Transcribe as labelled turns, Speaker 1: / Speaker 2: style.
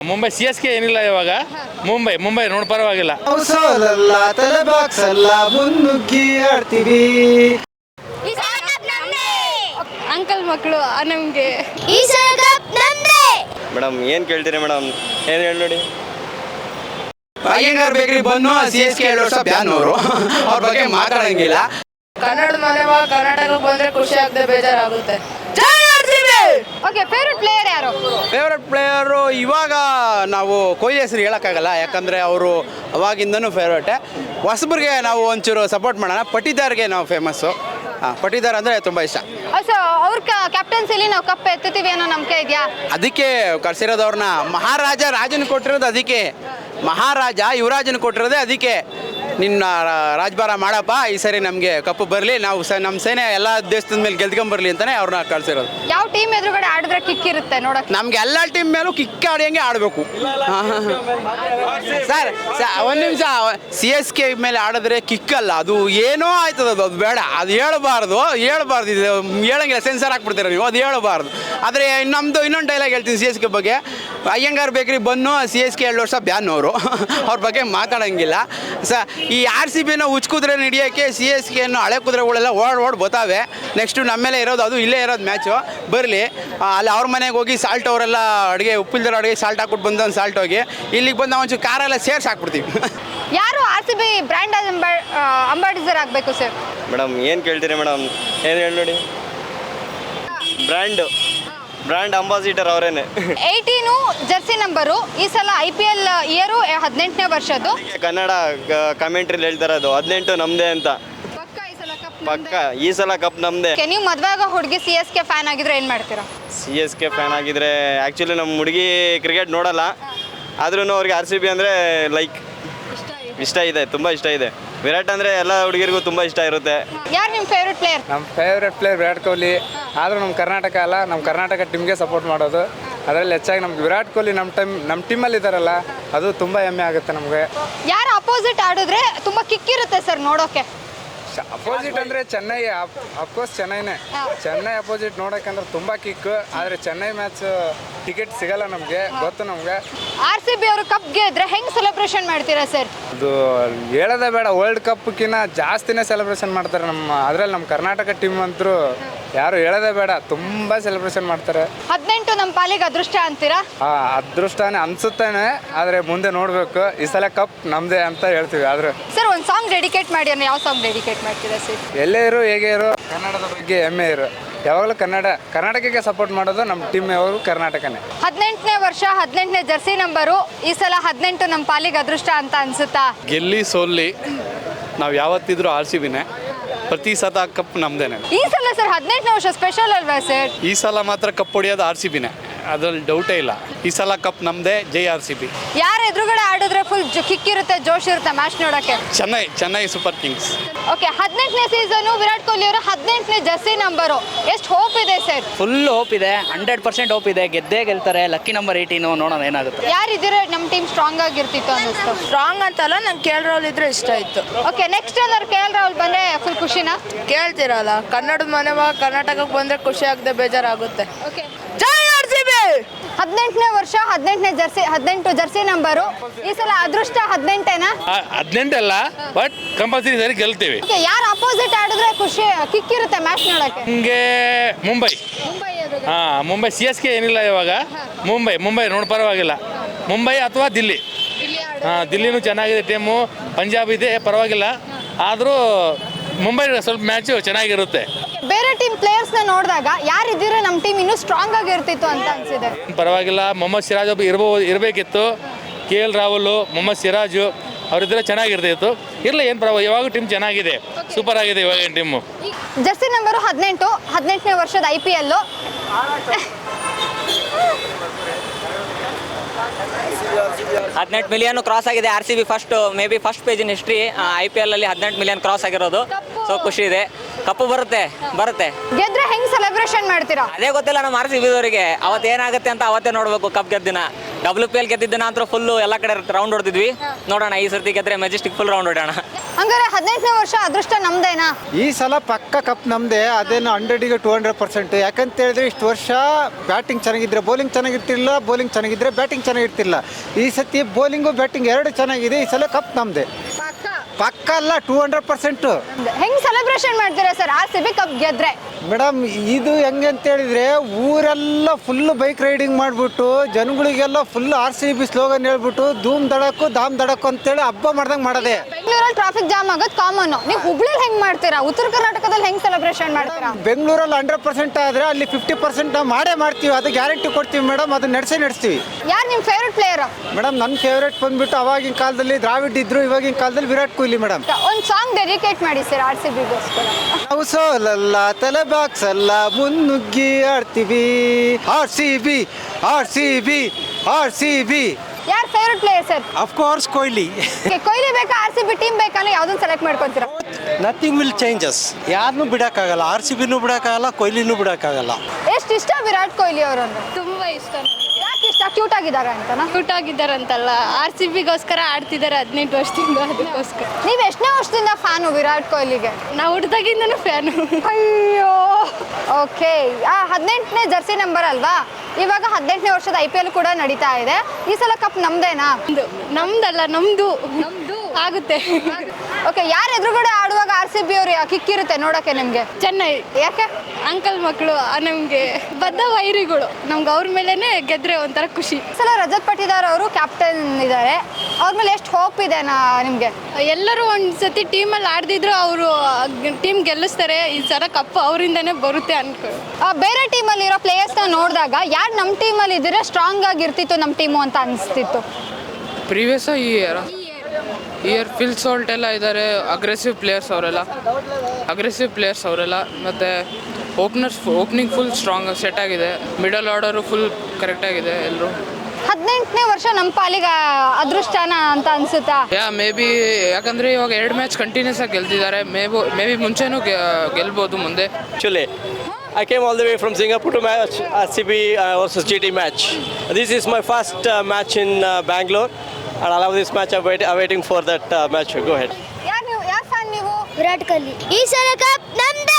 Speaker 1: Mumbai CSK ಏನಿಲ್ಲ ಇವಾಗ. ಮುಂಬೈ ನೋಡಿ ಪರವಾಗಿಲ್ಲ.
Speaker 2: ತಲೆ ಬಾಕ್ಸ್ ಅಲ್ಲ ಮುನ್ನುಗ್ಗಿ ಆಡ್ತೀವಿ.
Speaker 3: ಅಂಕಲ್ ಮಕ್ಕಳು ನಮಗೆ
Speaker 4: ಮೇಡಮ್ ಏನು ಕೇಳ್ತೀರಿ ಮೇಡಮ್, ಏನು ಹೇಳಿ ನೋಡಿ.
Speaker 2: ಅಯ್ಯಂಗಾರ್ ಬೇಕರಿ ಬನ್ನು CSK 2 ವರ್ಷ ಬ್ಯಾನ್ ಅವರು ಅವ್ರ ಬಗ್ಗೆ ಮಾತಾಡಂಗಿಲ್ಲ.
Speaker 5: ಕನ್ನಡ ಮನೆ ಕರ್ನಾಟಕಕ್ಕೆ ಬಂದ್ರೆ ಖುಷಿ ಆಗದೆ ಬೇಜಾರಾಗುತ್ತೆ.
Speaker 3: ಓಕೆ, ಫೇವ್ರೆಟ್ ಪ್ಲೇಯರ್ ಯಾರು?
Speaker 2: ಫೇವ್ರೆಟ್ ಪ್ಲೇಯರು ಇವಾಗ ನಾವು ಕೊಹ್ಲಿ ಹೆಸರು ಹೇಳೋಕ್ಕಾಗಲ್ಲ, ಯಾಕಂದರೆ ಅವರು ಅವಾಗಿಂದನೂ ಫೇವ್ರೇಟೆ. ಹೊಸಬ್ರಿಗೆ ನಾವು ಒಂಚೂರು ಸಪೋರ್ಟ್ ಮಾಡೋಣ. ಪಟಿದಾರ್ಗೆ ನಾವು ಫೇಮಸ್ಸು. ಪಟಿದಾರ್ ಅಂದರೆ ತುಂಬ ಇಷ್ಟ.
Speaker 3: ಸೊ ಅವ್ರ ಕ್ಯಾಪ್ಟನ್ಸಿಲಿ ನಾವು ಕಪ್ ಎತ್ತುತ್ತೀವಿ ಅನ್ನೋ ನಂಬಿಕೆ ಇದೆಯಾ?
Speaker 2: ಅದಕ್ಕೆ ಕರ್ಸಿರೋದವ್ರನ್ನ ರಾಜನ ಕೊಟ್ಟಿರೋದು ಅದಕ್ಕೆ. ಮಹಾರಾಜ ಯುವರಾಜನ ಕೊಟ್ಟಿರೋದೇ ಅದಕ್ಕೆ. ನಿನ್ನ ರಾಜಭಾರ ಮಾಡಪ್ಪ, ಈ ಸರಿ ನಮಗೆ ಕಪ್ಪು ಬರಲಿ, ನಾವು ನಮ್ಮ ಸೇನೆ ಎಲ್ಲ ದೇಶದ ಮೇಲೆ ಗೆದ್ಕೊಂಬರ್ಲಿ ಅಂತಲೇ ಅವ್ರನ್ನ ಕಳಿಸಿರೋದು.
Speaker 3: ಯಾವ ಟೀಮ್ ಎದುರುಗಡೆ ಆಡಿದ್ರೆ ಕಿಕ್ ಇರುತ್ತೆ ನೋಡಕ್ಕೆ?
Speaker 2: ನಮ್ಗೆ ಎಲ್ಲ ಟೀಮ್ ಮೇಲೂ ಕಿಕ್ ಆಡಿಯಂಗೆ ಆಡಬೇಕು ಸರ್. ಒಂದು ನಿಮಿಷ, CSK ಮೇಲೆ ಆಡಿದ್ರೆ ಕಿಕ್ ಅಲ್ಲ, ಅದು ಏನೋ ಆಯ್ತದ, ಅದು ಬೇಡ, ಅದು ಹೇಳಬಾರ್ದು ಇದು ಹೇಳಂಗಿಲ್ಲ, ಸೆನ್ಸರ್ ಹಾಕ್ಬಿಡ್ತೀರ ನೀವು, ಅದು ಹೇಳಬಾರ್ದು. ಆದರೆ ನಮ್ಮದು ಇನ್ನೊಂದು ಡೈಲಾಗ್ ಹೇಳ್ತೀನಿ CSK ಬಗ್ಗೆ. ಅಯ್ಯಂಗಾರ್ ಬೇಕರಿ ಬನ್ನು CSK 2 ವರ್ಷ ಬ್ಯಾನ್ ಅವರು ಅವ್ರ ಬಗ್ಗೆ ಮಾತಾಡೋಂಗಿಲ್ಲ ಈ RCBನ ಉಚ್ಕುದ್ರೆ ಹಿಡಿಯೋಕ್ಕೆ CSKನ್ನು ಹಳೆ ಕುದುರೆಗಳೆಲ್ಲ ಓಡ್ ಬತ್ತಾವೆ. ನೆಕ್ಸ್ಟು ನಮ್ಮ ಮೇಲೆ ಇರೋದು, ಅದು ಇಲ್ಲೇ ಇರೋದು ಮ್ಯಾಚು. ಬರಲಿ ಅಲ್ಲಿ ಅವ್ರ ಮನೆಗೆ ಹೋಗಿ ಸಾಲ್ಟ್ ಅವರೆಲ್ಲ ಅಡುಗೆ ಉಪ್ಪಿಲ್ದಿರೋ ಅಡುಗೆ ಸಾಲ್ಟ್ ಹಾಕ್ಬಿಟ್ಟು ಬಂದು ಸಾಲ್ಟ್ ಹೋಗಿ ಇಲ್ಲಿಗೆ ಬಂದು ನಾವು ಒಂಚೂರು ಕಾರೆಲ್ಲ ಸೇರ್ಸಿ ಹಾಕ್ಬಿಡ್ತೀವಿ.
Speaker 3: ಯಾರು RCB ಬ್ರ್ಯಾಂಡ್ ಅಂಬಾಸಿಡರ್ ಆಗಬೇಕು ಸರ್?
Speaker 4: ಮೇಡಮ್ ಏನು ಕೇಳ್ತೀರಿ ಮೇಡಮ್, ಏನು ಹೇಳಿ ನೋಡಿ. ಬ್ರ್ಯಾಂಡ್ ಅಂಬಾಸಿಡರ್ ಅವರೇನೆ.
Speaker 3: 18 ಜರ್ಸಿ ನಂಬರು. ಈ ಸಲ IPL ಇಯರು 18ನೇ ವರ್ಷದ್ದು.
Speaker 4: ಕನ್ನಡ ಕಮೆಂಟ್ರಿಲಿ ಹೇಳ್ತಾರದು 18 ನಮ್ಮದೇ ಅಂತ. ಪಕ್ಕ ಈ ಸಲ ಕಪ್ ನಮ್ಮದೇ.
Speaker 3: ನೀವು ಮದುವೆ ಆಗೋ ಹುಡುಗಿ CSK ಫ್ಯಾನ್ ಆಗಿದ್ರೆ ಏನು ಮಾಡ್ತೀರಾ?
Speaker 4: CSK ಫ್ಯಾನ್ ಆಗಿದ್ರೆ ಆ್ಯಕ್ಚುಲಿ ನಮ್ಮ ಹುಡುಗಿ ಕ್ರಿಕೆಟ್ ನೋಡಲ್ಲ, ಆದ್ರೂ ಅವ್ರಿಗೆ RCB ಅಂದರೆ ಲೈಕ್ ಇಷ್ಟ ಇದೆ, ತುಂಬ ಇಷ್ಟ ಇದೆ. ವಿರಾಟ್ ಅಂದರೆ ಎಲ್ಲ ಹುಡುಗಿರಿಗೂ ತುಂಬ ಇಷ್ಟ ಇರುತ್ತೆ.
Speaker 3: ಯಾರು ನಿಮ್ಮ ಫೇವ್ರೆಟ್ ಪ್ಲೇಯರ್?
Speaker 6: ನಮ್ಮ ಫೇವ್ರೆಟ್ ಪ್ಲೇಯರ್ ವಿರಾಟ್ ಕೊಹ್ಲಿ. ಆದರೂ ನಮ್ಮ ಕರ್ನಾಟಕ ಅಲ್ಲ, ನಮ್ಮ ಕರ್ನಾಟಕ ಟೀಮ್ಗೆ ಸಪೋರ್ಟ್ ಮಾಡೋದು. ಅದರಲ್ಲಿ ಹೆಚ್ಚಾಗಿ ನಮ್ಗೆ ವಿರಾಟ್ ಕೊಹ್ಲಿ ನಮ್ಮ ಟೀಮಲ್ಲಿ ಇದ್ದಾರಲ್ಲ, ಅದು ತುಂಬ ಹೆಮ್ಮೆ ಆಗುತ್ತೆ ನಮಗೆ.
Speaker 3: ಯಾರು ಅಪೋಸಿಟ್ ಆಡಿದ್ರೆ ತುಂಬ ಕಿಕ್ ಇರುತ್ತೆ ಸರ್ ನೋಡೋಕೆ?
Speaker 6: ಅಪೋಸಿಟ್ ಅಂದರೆ ಚೆನ್ನೈ, ಅಫ್ಕೋರ್ಸ್ ಚೆನ್ನೈ ಅಪೋಸಿಟ್ ನೋಡೋಕ್ಕಂದ್ರೆ ತುಂಬ ಕಿಕ್. ಆದರೆ ಚೆನ್ನೈ ಮ್ಯಾಚ್ ಟಿಕೆಟ್ ಸಿಗಲ್ಲ ನಮಗೆ, ಗೊತ್ತು ನಮಗೆ.
Speaker 3: RCB ಅವರು ಕಪ್ ಗೆದ್ರೆ ಹೆಂಗೆ ಸೆಲೆಬ್ರೇಷನ್ ಮಾಡ್ತೀರಾ ಸರ್?
Speaker 6: ಅದು ಹೇಳೋದೇ ಬೇಡ, ವರ್ಲ್ಡ್ ಕಪ್ಗಿನ್ನ ಜಾಸ್ತಿನೇ ಸೆಲೆಬ್ರೇಷನ್ ಮಾಡ್ತಾರೆ. ಅದರಲ್ಲಿ ನಮ್ಮ ಕರ್ನಾಟಕ ಟೀಮ್ ಅಂತೂ ಯಾರು ಹೇಳೋದೇ ಬೇಡ, ತುಂಬ ಸೆಲೆಬ್ರೇಷನ್ ಮಾಡ್ತಾರೆ.
Speaker 3: 18 ನಮ್ಮ ಪಾಲಿಗೆ ಅದೃಷ್ಟ ಅಂತೀರಾ?
Speaker 6: ಅದೃಷ್ಟನೇ ಅನ್ಸುತ್ತೇನೆ, ಆದರೆ ಮುಂದೆ ನೋಡಬೇಕು. ಈ ಸಲ ಕಪ್ ನಮ್ಮದೇ ಅಂತ ಹೇಳ್ತೀವಿ. ಆದ್ರೆ
Speaker 3: ಸರ್ ಒಂದು ಸಾಂಗ್ ಡೆಡಿಕೇಟ್ ಮಾಡಿ ಅಂದ್ರೆ ಯಾವ ಸಾಂಗ್ ಡೆಡಿಕೇಟ್ ಮಾಡ್ತೀರಾ ಸರ್?
Speaker 6: ಎಲ್ಲೇ ಇರು ಹೇಗೆ ಇರು, ಕನ್ನಡದ ಬಗ್ಗೆ ಹೆಮ್ಮೆ ಇರು. ಯಾವಾಗಲೂ ಕರ್ನಾಟಕಕ್ಕೆ ಸಪೋರ್ಟ್ ಮಾಡೋದು ನಮ್ಮ ಟೀಮ್ ಯಾವಾಗಲೂ ಕರ್ನಾಟಕನೇ.
Speaker 3: 18ನೇ ವರ್ಷ 18ನೇ ಜರ್ಸಿ ನಂಬರು. ಈ ಸಲ 18 ನಮ್ಮ ಪಾಲಿಗೆ ಅದೃಷ್ಟ ಅಂತ ಅನ್ಸುತ್ತಾ?
Speaker 7: ಗೆಲ್ಲಿ ಸೋಲ್ಲಿ ನಾವು ಯಾವತ್ತಿದ್ರು RCBನೇ. ಪ್ರತಿ ಸತ ಕಪ್ ನಮ್ದೇನೆ.
Speaker 3: ಈ ಸಲ ಸರ್ 18ನೇ ವರ್ಷ ಸ್ಪೆಷಲ್ ಅಲ್ವಾ ಸರ್?
Speaker 7: ಈ ಸಲ ಮಾತ್ರ ಕಪ್ ಹೊಡಿಯೋದು RCBನೇ, ಅದ್ರಲ್ಲಿ ಡೌಟೇ ಇಲ್ಲ. ಈ ಸಲ ಕಪ್ ನಮ್ಮದೇ. ಜೈ RCB.
Speaker 3: ಯಾರು ಎದುರುಗಡೆ ಆಡಿದ್ರೆ ಫುಲ್ ಕಿಕ್ ಇರುತ್ತೆ, ಜೋಶ್ ಇರುತ್ತೆ ಮ್ಯಾಚ್ ನೋಡೋಕ್ಕೆ?
Speaker 7: Chennai Super Kings.
Speaker 3: ಓಕೆ, 18ನೇ ಸೀಸನು ವಿರಾಟ್ ಕೊಹ್ಲಿ ಅವರು 18ನೇ ಜರ್ಸಿ ನಂಬರು. ಎಷ್ಟು ಹೋಪ್ ಇದೆ ಸರ್?
Speaker 8: ಫುಲ್ ಹೋಪ್ ಇದೆ, 100% ಹೋಪ್ ಇದೆ. ಗೆಲ್ತಾರೆ. ಲಕ್ಕಿ ನಂಬರ್ 18, ನೋಡೋಣ ಏನಾಗುತ್ತೆ.
Speaker 3: ಯಾರಿದ್ರೆ ನಮ್ಮ ಟೀಮ್ ಸ್ಟ್ರಾಂಗ್ ಆಗಿರ್ತಿತ್ತು ಅನ್ನಿಸ್ತು?
Speaker 5: ಸ್ಟ್ರಾಂಗ್ ಅಂತಲ್ಲ, ನಂಗೆ KL ರಾಹುಲ್ ಇದ್ರೆ ಇಷ್ಟ ಇತ್ತು.
Speaker 3: ಓಕೆ, ನೆಕ್ಸ್ಟ್ ಏನಾದ್ರು KL ರಾಹುಲ್ ಬಂದ್ರೆ ಫುಲ್ ಖುಷಿನಾ?
Speaker 5: ಕೇಳ್ತಿರಲ್ಲ, ಕನ್ನಡದ ಮನೆ ಕರ್ನಾಟಕಕ್ಕೆ ಬಂದ್ರೆ ಖುಷಿ ಆಗದೆ ಬೇಜಾರಾಗುತ್ತೆ.
Speaker 3: ಓಕೆ,
Speaker 5: ಜೈ RCB.
Speaker 3: 18ನೇ ವರ್ಷ 18ನೇ ಜರ್ಸಿ 18 ಜರ್ಸಿ ನಂಬರು. ಈ ಸಲ ಅದೃಷ್ಟ 18ಏನಾ?
Speaker 1: 18 ಅಲ್ಲ, ಬಟ್ ಕಂಪಲ್ಸರಿ ಸರಿ ಗೆಲ್ತೀವಿ.
Speaker 3: ಯಾರು ಅಪೋಸಿಟ್ ಆಡಿದ್ರೆ ಖುಷಿ ಕಿಕ್ ಇರುತ್ತೆ ಮ್ಯಾಚ್ ನೋಡಕ್ಕೆ?
Speaker 1: ಹಿಂಗೆ ಮುಂಬೈ CSK ಏನಿಲ್ಲ ಇವಾಗ. ಮುಂಬೈ ನೋಡಿ ಪರವಾಗಿಲ್ಲ. ಮುಂಬೈ ಅಥವಾ ದಿಲ್ಲಿ. ದಿಲ್ಲಿನೂ ಚೆನ್ನಾಗಿದೆ ಟೀಮು. ಪಂಜಾಬ್ ಇದೆ, ಪರವಾಗಿಲ್ಲ. ಆದರೂ ಮುಂಬೈ ಸ್ವಲ್ಪ ಮ್ಯಾಚು ಚೆನ್ನಾಗಿರುತ್ತೆ.
Speaker 3: ಬೇರೆ ಟೀಮ್ ಪ್ಲೇಯರ್ಸ್ನ ನೋಡಿದಾಗ ಯಾರಿದ್ರೆ ನಮ್ಮ ಟೀಮ್ ಇನ್ನೂ ಸ್ಟ್ರಾಂಗ್ ಆಗಿರ್ತಿತ್ತು ಅಂತ ಅನ್ಸಿದೆ?
Speaker 1: ಪರವಾಗಿಲ್ಲ. ಮೊಹಮ್ಮದ್ ಸಿರಾಜ್ ಇರಬೇಕಿತ್ತು. KL ರಾಹುಲ್, ಮೊಹಮ್ಮದ್ ಸಿರಾಜು ಅವರಿದ್ರೆ ಚೆನ್ನಾಗಿರ್ತಿತ್ತು. ಇರಲಿ, ಏನು ಪರವಾಗಿಲ್ಲ. ಇವಾಗ ಟೀಮ್ ಚೆನ್ನಾಗಿದೆ, ಸೂಪರ್ ಆಗಿದೆ ಇವಾಗ ಟೀಮು.
Speaker 3: ಜರ್ಸಿ ನಂಬರು 18ನೇ ವರ್ಷದ IPL.
Speaker 8: 18 ಮಿಲಿಯನ್ ಕ್ರಾಸ್ ಆಗಿದೆ RCB. Maybe first page in history IPL ಅಲ್ಲಿ 18 ಮಿಲಿಯನ್ ಕ್ರಾಸ್ ಆಗಿರೋದು. ಸೊ ಖುಷಿ ಇದೆ. ಕಪ್ಪು ಬರುತ್ತೆ.
Speaker 3: ಗೆದ್ರೆ ಹೆಂಗ್ ಸೆಲೆಬ್ರೇಷನ್ ಮಾಡ್ತೀರಾ?
Speaker 8: ಅದೇ ಗೊತ್ತಿಲ್ಲ ನಮ್ಮ RCB ಅವರಿಗೆ. ಅವತ್ತು ಏನಾಗುತ್ತೆ ಅಂತ ಅವತ್ತೇ ನೋಡಬೇಕು. ಕಪ್ ಗೆದ್ದಿನ WPL ಗೆದ್ದಿದ್ದಿನ ಅಂತೂ ಫುಲ್ಲು ಎಲ್ಲ ಕಡೆ ರೌಂಡ್ ಹೊಡೆದಿದ್ವಿ. ನೋಡೋಣ ಈ ಸರ್ತಿ ಗೆದ್ರೆ ಮೆಜೆಸ್ಟಿಕ್ ಫುಲ್ ರೌಂಡ್ ಹೊಡೋಣ.
Speaker 3: ಹಂಗಾರೆ 18ನೇ ವರ್ಷ ಅದೃಷ್ಟ ನಮ್ದೇನಾ?
Speaker 9: ಈ ಸಲ ಪಕ್ಕ ಕಪ್ ನಮ್ಮದೇ. ಅದೇನು 100ಗೆ 200%. ಯಾಕಂತ ಹೇಳಿದ್ರೆ ಇಷ್ಟು ವರ್ಷ ಬ್ಯಾಟಿಂಗ್ ಚೆನ್ನಾಗಿದ್ರೆ ಬೌಲಿಂಗ್ ಚೆನ್ನಾಗಿರ್ತಿಲ್ಲ, ಬೌಲಿಂಗ್ ಚೆನ್ನಾಗಿದ್ರೆ ಬ್ಯಾಟಿಂಗ್ ಚೆನ್ನಾಗಿರ್ತಿಲ್ಲ. ಈ ಸತಿ ಬೌಲಿಂಗು ಬ್ಯಾಟಿಂಗ್ ಎರಡು ಚೆನ್ನಾಗಿದೆ. ಈ ಸಲ ಕಪ್ ನಮ್ಮದೇ. ಪಕ್ಕ ಅಲ್ಲ, 200%.
Speaker 3: ಹೆಂಗ್ ಸೆಲೆಬ್ರೇಷನ್ ಮಾಡ್ತೀರಾ ಸರ್ RCB ಕಪ್ ಗೆದ್ರೆ?
Speaker 9: ಮೇಡಮ್, ಇದು ಹೆಂಗೆ ಅಂತ ಹೇಳಿದ್ರೆ ಊರೆಲ್ಲ ಫುಲ್ ಬೈಕ್ ರೈಡಿಂಗ್ ಮಾಡಿಬಿಟ್ಟು ಜನಗಳಿಗೆಲ್ಲ ಫುಲ್ RCB ಸ್ಲೋಗನ್ ಹೇಳ್ಬಿಟ್ಟು ಧೂಮ್ ದಡಕ್ಕು ಧಾಮ್ ದಡಕ್ಕು ಅಂತೇಳಿ ಹಬ್ಬ ಮಾಡ್ದಂಗೆ ಮಾಡೋದೆ.
Speaker 3: ಬೆಂಗಳೂರಲ್ಲಿ ಟ್ರಾಫಿಕ್ ಜಾಮ್ ಆಗೋದು ಕಾಮನ್. ನೀವು ಹುಬ್ಳಿಲಿ ಹೆಂಗ್ ಮಾಡ್ತೀರಾ? ಉತ್ತರ ಕರ್ನಾಟಕದಲ್ಲಿ ಹೆಂಗ್ ಸೆಲೆಬ್ರೇಷನ್ ಮಾಡ್ತೀರಾ?
Speaker 9: ಬೆಂಗಳೂರಲ್ಲಿ 100% ಆದರೆ ಅಲ್ಲಿ 50% ನಾವು ಮಾಡೇ ಮಾಡ್ತೀವಿ. ಅದು ಗ್ಯಾರಂಟಿ ಕೊಡ್ತೀವಿ ಮೇಡಮ್. ಅದು ನಡೆಸ್ತೀವಿ.
Speaker 3: ಯಾರು ನಿಮ್ಮ ಫೇವ್ರೆಟ್ ಪ್ಲೇಯರ್?
Speaker 9: ಮೇಡಮ್, ನನ್ನ ಫೇವ್ರೇಟ್ ಬಂದ್ಬಿಟ್ಟು ಅವಾಗಿನ ಕಾಲದಲ್ಲಿ ದ್ರಾವಿಡ್ ಇದ್ರು, ಇವಾಗಿನ ಕಾಲದಲ್ಲಿ ವಿರಾಟ್ ಕೊಹ್ಲಿ ಮೇಡಮ್.
Speaker 3: ಒಂದು ಸಾಂಗ್ ಡೆಡಿಕೇಟ್ ಮಾಡಿ ಸರ್ RCBಗೋಸ್ಕರ.
Speaker 9: ನಾವು ಸೋಲಲ್ಲ, ತಲೆ ಬಾಕ್ಸಲ್ಲ, ಮುನ್ನುಗ್ಗಿ ಆಡ್ತೀವಿ. RCB.
Speaker 3: ಯಾರು favourite player sir?
Speaker 9: Of course Kohli.
Speaker 3: Kohli ಬೇಕಾ RCB ಟೀಮ್ ಬೇಕಾದ್ರೆ ಯಾವ್ದನ್ನ ಸೆಲೆಕ್ಟ್ ಮಾಡ್ಕೊಂತೀರಾ?
Speaker 9: Nothing will changes. ಯಾರನ್ನೂ ಬಿಡೋಕ್ಕಾಗಲ್ಲ. RCBನೂ ಬಿಡೋಕ್ಕಾಗಲ್ಲ, ಕೊಹ್ಲಿನೂ ಬಿಡೋಕ್ಕಾಗಲ್ಲ.
Speaker 3: ಎಷ್ಟು ಇಷ್ಟ ವಿರಾಟ್ ಕೊಹ್ಲಿ ಅವರನ್ನು?
Speaker 5: ತುಂಬ ಇಷ್ಟ.
Speaker 3: ಯಾಕೆ ಇಷ್ಟ? ಕ್ಯೂಟ್ ಆಗಿದ್ದಾರೆ ಅಂತನಾ?
Speaker 5: ಕ್ಯೂಟ್ ಆಗಿದ್ದಾರಂತಲ್ಲ, RCBಗೋಸ್ಕರ ಆಡ್ತಿದ್ದಾರೆ 18 ವರ್ಷದಿಂದ, ಅದಕ್ಕೋಸ್ಕರ.
Speaker 3: ನೀವು ಎಷ್ಟನೇ ವರ್ಷದಿಂದ ಫ್ಯಾನು ವಿರಾಟ್ ಕೊಹ್ಲಿಗೆ?
Speaker 5: ನಾವು ಹುಡ್ದಾಗಿಂದನೂ ಫ್ಯಾನು.
Speaker 3: ಅಯ್ಯೋ, ಓಕೆ. 18ನೇ ಜರ್ಸಿ ನಂಬರ್ ಅಲ್ವಾ? ಇವಾಗ 18ನೇ ವರ್ಷದ IPL ಕೂಡ ನಡೀತಾ ಇದೆ. ಈ ಸಲ ಕಪ್ ನಮ್ದೇನಾ?
Speaker 5: ನಮ್ದಲ್ಲ, ನಮ್ದು ಆಗುತ್ತೆ.
Speaker 3: ಓಕೆ, ಯಾರು ಎದುರುಗಡೆ ಆಡುವಾಗ RCB ಅವ್ರು ಕಿಕ್ಕಿರುತ್ತೆ ನೋಡೋಕೆ ನಿಮಗೆ?
Speaker 5: ಚೆನ್ನೈ.
Speaker 3: ಯಾಕೆ?
Speaker 5: ಅಂಕಲ್ ಮಕ್ಕಳು ನಮಗೆ ಬದ್ಧ ವೈರಿಗಳು. ನಮ್ಗೆ ಅವ್ರ ಮೇಲೇ ಗೆದ್ರೆ ಒಂಥರ ಖುಷಿ.
Speaker 3: ಈ ಸಲ ರಜತ್ ಪಟಿದಾರ್ ಅವರು ಕ್ಯಾಪ್ಟನ್ ಇದ್ದಾರೆ. ಅವ್ರ ಮೇಲೆ ಎಷ್ಟು ಹೋಪ್ ಇದೆ ನಿಮಗೆ?
Speaker 5: ಎಲ್ಲರೂ ಒಂದು ಸತಿ ಟೀಮಲ್ಲಿ ಆಡ್ದಿದ್ರು ಅವರು ಟೀಮ್ ಗೆಲ್ಲಿಸ್ತಾರೆ. ಈ ಸಲ ಕಪ್ ಅವರಿಂದನೇ ಬರುತ್ತೆ ಅನ್ಕೊ.
Speaker 3: ಬೇರೆ ಟೀಮಲ್ಲಿ ಇರೋ ಪ್ಲೇಯರ್ಸ್ನ ನೋಡಿದಾಗ ಯಾರು ನಮ್ಮ ಟೀಮಲ್ಲಿ ಇದ್ದರೆ ಸ್ಟ್ರಾಂಗ್ ಆಗಿರ್ತಿತ್ತು ನಮ್ಮ ಟೀಮು ಅಂತ ಅನಿಸ್ತಿತ್ತು?
Speaker 10: ಪ್ರೀವಿಯಸ್ ಈ ಇಯರ್ ಫಿಲ್ ಸಾಲ್ಟ್ ಎಲ್ಲ ಇದ್ದಾರೆ. ಅಗ್ರೆಸಿವ್ ಪ್ಲೇಯರ್ಸ್ ಅವರೆಲ್ಲ. ಮತ್ತು ಓಪನಿಂಗ್ ಫುಲ್ ಸ್ಟ್ರಾಂಗ್ ಸೆಟ್ ಆಗಿದೆ. ಮಿಡಲ್ ಆರ್ಡರು ಫುಲ್ ಕರೆಕ್ಟಾಗಿದೆ ಎಲ್ಲರೂ.
Speaker 3: 18ನೇ ವರ್ಷ ನಮ್ಮ ಪಾಲಿಗೆ ಅದೃಷ್ಟನ ಅಂತ ಅನ್ಸುತ್ತಾ?
Speaker 10: ಮೇ ಬಿ, ಯಾಕಂದರೆ ಇವಾಗ 2 ಮ್ಯಾಚ್ ಕಂಟಿನ್ಯೂಸ್ ಆಗಿ ಗೆಲ್ತಿದ್ದಾರೆ. ಮೇ ಬಿ ಮುಂಚೆನೂ ಗೆಲ್ಬೋದು ಮುಂದೆ.
Speaker 11: Actually, I came all the way from Singapore to match RCB versus GT match. This is my first match in Bangalore, and I love this match. I'm waiting for that match. Go ahead.
Speaker 3: ಯಾರು fan ನೀವು?
Speaker 12: ವಿರಾಟ್ ಕೊಹ್ಲಿ. ಈ ಸಲ cup ನಮ್ದು.